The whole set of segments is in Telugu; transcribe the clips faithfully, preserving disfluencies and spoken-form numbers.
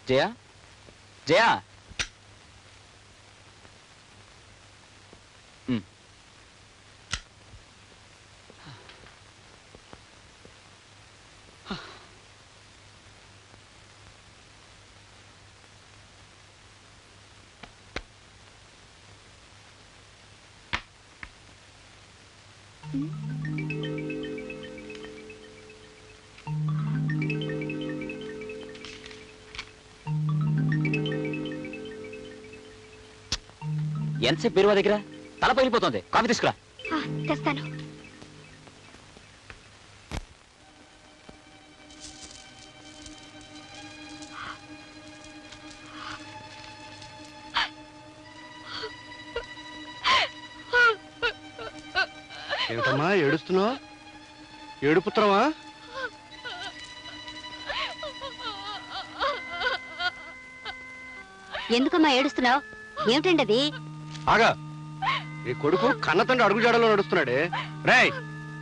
జయా జయా ఎంతసేపు బీరువా దగ్గర తల పగిలిపోతుంది. కాఫీ తీసుకురా. తెస్తాను. ఏమిటమ్మా ఏడుస్తున్నావు? ఏడుపుత్రమా? ఎందుకమ్మా ఏడుస్తున్నావు? ఏమిటండి అది? ఆగా, ఈ కొడుకు కన్న తండ్రి అడుగుజాడలో నడుస్తున్నాడే. రేయ్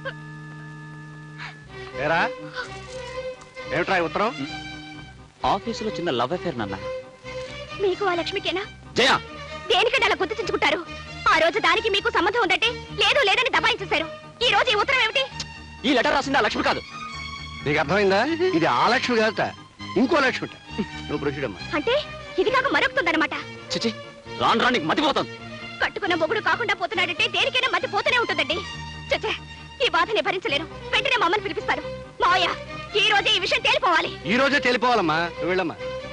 ఏరా, ఏమిట్రా ఉత్తరం? ఆఫీసులో చిన్న లవ్ అఫేర్ నాన్న. మీకు ఆ లక్ష్మికేనా? జయ, దేనికంటే అలా గుర్తించుకుంటారు? ఆ రోజు దానికి మీకు సంబంధం ఉందంటే లేదు లేదని దబాయించేశారు. ఈ రోజు ఈ ఉత్తరం ఏమిటి? ఈ లెటర్ రాసింది ఆ లక్ష్మి కాదు. నీకు అర్థమైందా? ఇది ఆ లక్ష్మి కాదట, ఇంకో లక్ష్మి. నువ్వు ప్రొసీడ్ అమ్మా. అంటే ఇది కాక మరొకుతుందన్నమాట. చిచి, రాను రానికి మతిపోతుంది. కట్టుకున్న మొగుడు కాకుండా పోతున్నాడంటే దేనికైనా మతి పోతూనే ఉంటుందండి. చచ్చే, ఈ బాధని భరించలేను. వెంటనే మమ్మల్ని పిలిపిస్తారు. మావయ్య, ఈ రోజే ఈ విషయం తేలిపోవాలి. ఈ రోజే తేలిపోవాలమ్మా. నువ్వు వెళ్ళమ్మా.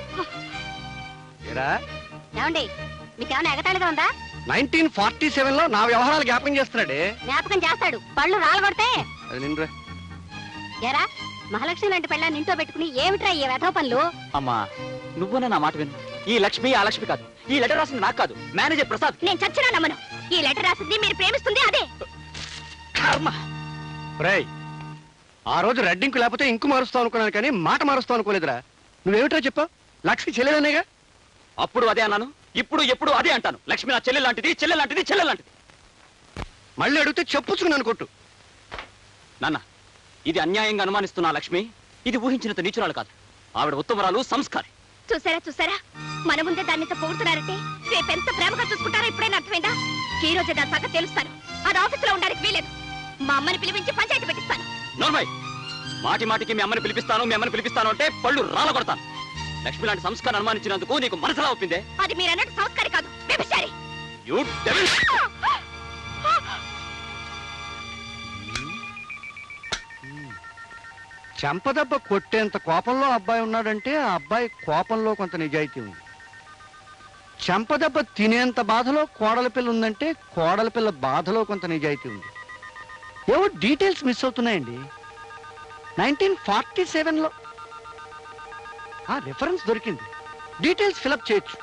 ఏరా, ఏమండి, మీకేమైనా ఎగతాళిగా ఉందా? నైన్టీన్ ఫార్టీ సెవెన్ లో నా వ్యవహారాలు జ్ఞాపకం చేస్తున్నాడే. జ్ఞాపకం చేస్తాడు, పళ్ళు రాలగొడితే. అది నిన్నురా. ఏరా, మహాలక్ష్మి లాంటి పెళ్ళాన్ని ఇంట్లో పెట్టుకుని ఏమిట్రా ఈ వెధవ పనులు? అమ్మా, నువ్వునా నా మాట విను. ఈ లక్ష్మి ఆ లక్ష్మి కాదు. ఈ లెటర్ రాసింది నాకు కాదు, మేనేజర్ ప్రసాద్. నేను చచ్చినా నమ్మను. ఈ లెటర్ రాసింది మీరు ప్రేమిస్తుంది అదే. కర్మ. రేయ్, ఆ రోజు రెడ్డింకు లేకపోతే ఇంకు మారుస్తావు అనుకున్నాను, కానీ మాట మారుస్తావు అనుకోలేదురా. నువ్వేమిట్రా చెప్పావు? లక్ష్మి చెల్లెలనేగా. అప్పుడు అదే అన్నాను, ఇప్పుడు ఎప్పుడు అదే అంటాను. లక్ష్మి నా చెల్లె లాంటిది, చెల్లె లాంటిది, చెల్లె లాంటిది. మళ్ళీ అడిగితే చెప్పుచ్చుకున్నాను కొట్టు. నాన్న, ఇది అన్యాయంగా అనుమానిస్తున్న లక్ష్మి ఇది ఊహించినంత నీచురాలు కాదు. ఆవిడ ఉత్తమరాలు, సంస్కారి. చూసారా చూసారా, మన ముందే దాన్ని పోడుతున్నారంటే రేపెంత ప్రేమగా చూసుకుంటారో ఇప్పుడైనా అర్థమైందా? ఈ రోజే దాని సంగతి తెలుస్తాను. అది ఆఫీసులో ఉండడానికి వీలేదు. మా అమ్మని పిలిపించి పంచాయతీ పెట్టిస్తాను. నోర్మై, మాటి మాటికి మీ అమ్మని పిలిపిస్తాను మీ అమ్మని పిలిపిస్తాను అంటే పళ్ళు రాల కొడతాను. లక్ష్మి లాంటి సంస్కారం అనుమానించినందుకు నీకు మనసులా ఒప్పిందే? అది మీరు అన్నట్టు సంస్కారి కాదు, వ్యభిచారి. You devil. చెంపదెబ్బ కొట్టేంత కోపంలో అబ్బాయి ఉన్నాడంటే ఆ అబ్బాయి కోపంలో కొంత నిజాయితీ ఉంది. చెంపదెబ్బ తినేంత బాధలో కోడల పిల్ల ఉందంటే కోడల పిల్ల బాధలో కొంత నిజాయితీ ఉంది. ఏవో డీటెయిల్స్ మిస్ అవుతున్నాయండి. నైన్టీన్ ఫార్టీ సెవెన్ లో ఆ రిఫరెన్స్ దొరికింది. డీటెయిల్స్ ఫిలప్ చేయొచ్చు.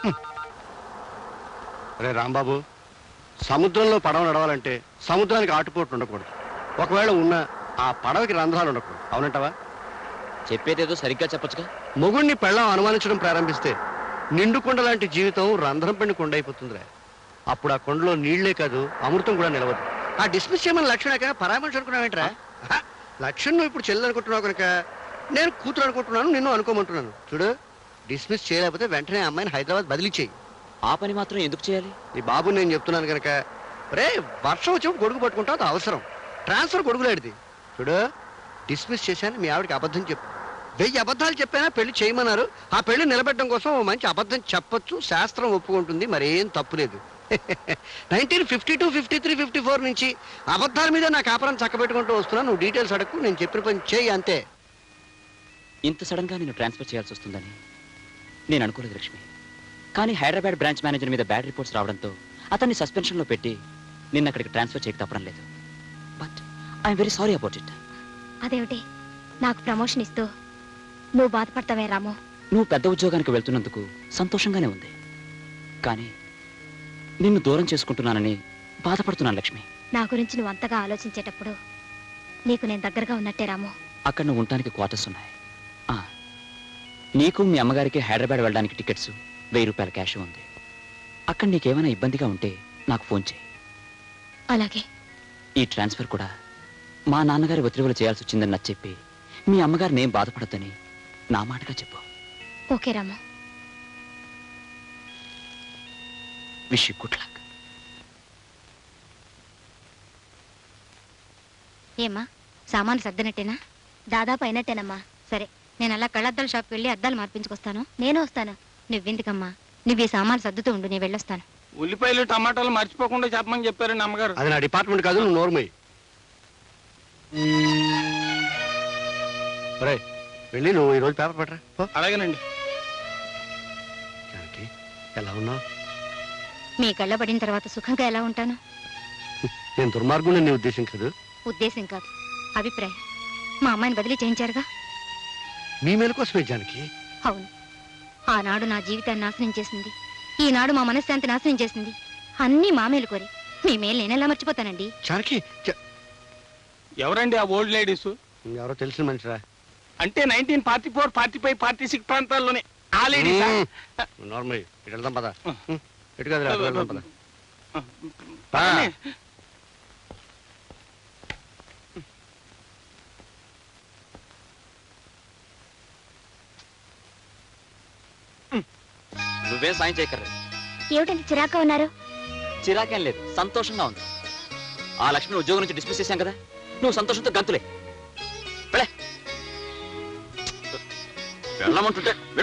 అరే రాంబాబు, సముద్రంలో పడవ నడవాలంటే సముద్రానికి ఆటుపోట్లు ఉండకూడదు. ఒకవేళ ఉన్న ఆ పడవకి రంధ్రాలు ఉండకూడదు. అవునంటావా? చెప్పేదేదో సరిగ్గా చెప్పొచ్చుగా. మొగుణ్ణి పెళ్ళం అనుమానించడం ప్రారంభిస్తే నిండు కొండ లాంటి జీవితం రంధ్రం పెండి కొండ అయిపోతుందిరా. అప్పుడు ఆ కొండలో నీళ్లే కాదు, అమృతం కూడా నిలవదు. ఆ డిస్మిస్ చేయమని లక్ష్మణ పరామర్శ అనుకున్నావేంట్రా? లక్ష్మణ్ నువ్వు ఇప్పుడు చెల్లెలు అనుకుంటున్నావు కనుక నేను కూతురు అనుకుంటున్నాను, నిన్ను అనుకోమంటున్నాను. చూడు, డిస్మిస్ చేయలేకపోతే వెంటనే అమ్మాయిని హైదరాబాద్ బదిలీ చేయి. ఆ పని మాత్రం ఎందుకు చేయాలి? నీ బాబు నేను చెప్తున్నాను కనుక. రే, వర్షం వచ్చినప్పుడు గొడుగు పట్టుకుంటావు, అది అవసరం. ట్రాన్స్ఫర్ గొడుగులాడిది. చూడు, డిస్మిస్ చేశాను, మీ ఆవిడకి అబద్ధం చెప్పు. వెయ్యి అబద్ధాలు చెప్పైనా పెళ్లి చేయమన్నారు. ఆ పెళ్లి నిలబెట్టడం కోసం మంచి అబద్ధం చెప్పొచ్చు, శాస్త్రం ఒప్పుకుంటుంది, మరేం తప్పులేదు. Nineteen fifty two fifty three fifty four నుంచి అబద్ధాల మీద నా కాపురం చక్కబెట్టుకుంటూ వస్తున్నా. నువ్వు డీటెయిల్స్ అడగకు, నేను చెప్పిన పని చేయి అంతే. ఇంత సడన్ గా నేను ట్రాన్స్ఫర్ చేయాల్సి వస్తుందని నేను అనుకోలేదు లక్ష్మి. కానీ హైదరాబాద్ బ్రాంచ్ మేనేజర్ మీద బ్యాడ్ రిపోర్ట్స్ రావడంతో అతన్ని సస్పెన్షన్ లో పెట్టి నిన్న అక్కడికి ట్రాన్స్ఫర్ చేయక తప్పడం లేదు. But I'm very sorry about it. అదేమిటి, నాకు ప్రమోషన్ ఇస్తూ నువ్వు బాధపడతావే రాము? నువ్వు పెద్ద ఉద్యోగానికి వెళ్తున్నందుకు సంతోషంగానే ఉంది, కానీ నిన్ను దూరం చేసుకుంటున్నానని బాధపడుతున్నాను లక్ష్మి. నా గురించి నువ్వు అంతగా ఆలోచించేటప్పుడు నీకు నేను దగ్గరగా ఉన్నట్టే రాము. అక్కడ నువ్వు ఉండటానికి క్వార్టర్స్ ఉన్నాయి. నీకు మీ అమ్మగారికి హైదరాబాద్ వెళ్ళడానికి టికెట్స్, వెయ్యి రూపాయల క్యాష్ ఉంది. అక్కడ నీకేమైనా ఇబ్బందిగా ఉంటే నాకు ఫోన్ చేయి. అలాగే. ఈ ట్రాన్స్ఫర్ కూడా మా నాన్నగారి ఒత్తిడిలో చేయాల్సి వచ్చిందని నాకు చెప్పి మీ అమ్మగారిని ఏం బాధపడద్దని నా మాటగా చెప్పు. Okay Ramu. Wish you good luck. ఏమ్మా సామాను సర్దినట్టేనా? దాదాపు అయినట్టేనమ్మా. సరే, నేను అలా కళ్ళద్దాల షాప్కి వెళ్ళి అద్దాలు మార్పించుకొస్తాను. నేను వస్తాను. నువ్వెందుకమ్మా, నువ్వు ఈ సామాను సర్దుతూ ఉండు, నేను వెళ్ళొస్తాను. ఉల్లిపాయలు టమాటాలు మర్చిపోకుండా చెప్పమని చెప్పారండి అమ్మగారు. అది నా డిపార్ట్మెంట్ కాదు, నువ్వు నోర్మై. ఒరే వెళ్ళి నువ్వు ఈరోజు పేపర్ పట్టరా పో. అలాగేనండి. జానకి ఎలా ఉన్నావు? మీ కళ్ళ పడిన తర్వాత సుఖంగా ఎలా ఉంటాను? నేను దుర్మార్గుని నీ ఉద్దేశం కాదు. ఉద్దేశం కాదు, అభిప్రాయం. మా అమ్మాయిని బదిలీ చేయించారుగా. మీ మేలు కోసమే జానకి. అవును, ఆనాడు నా జీవితాన్ని నాశనం చేసింది, ఈనాడు మా మనశ్శాంతి నాశనం చేసింది. అన్నీ మా మేలు కోరి. మీ మేలు నేనెలా మర్చిపోతానండి? జానకి జ- ఎవరండి ఆ ఓల్డ్ లేడీస్? ఎవరో తెలిసిన మనిషిరా. అంటే nineteen forty four forty five forty six ప్రాంతాల్లోనే ఆ లేడీస్. నార్మల్ ఇటు వెళ్దాం పద. ఎటు కాదు వెళ్దాం పద. ఆ. నువ్వేం సాయం చేయక్కర్లేదు. ఏమిటంటే చిరాక ఉన్నారు? చిరాకేం లేదు, సంతోషంగా ఉంది. ఆ లక్ష్మిని ఉద్యోగం నుంచి డిస్మిస్ చేశాం కదా, నువ్వు సంతోషంతో గంతులే. వెళ్ళమంటుంటే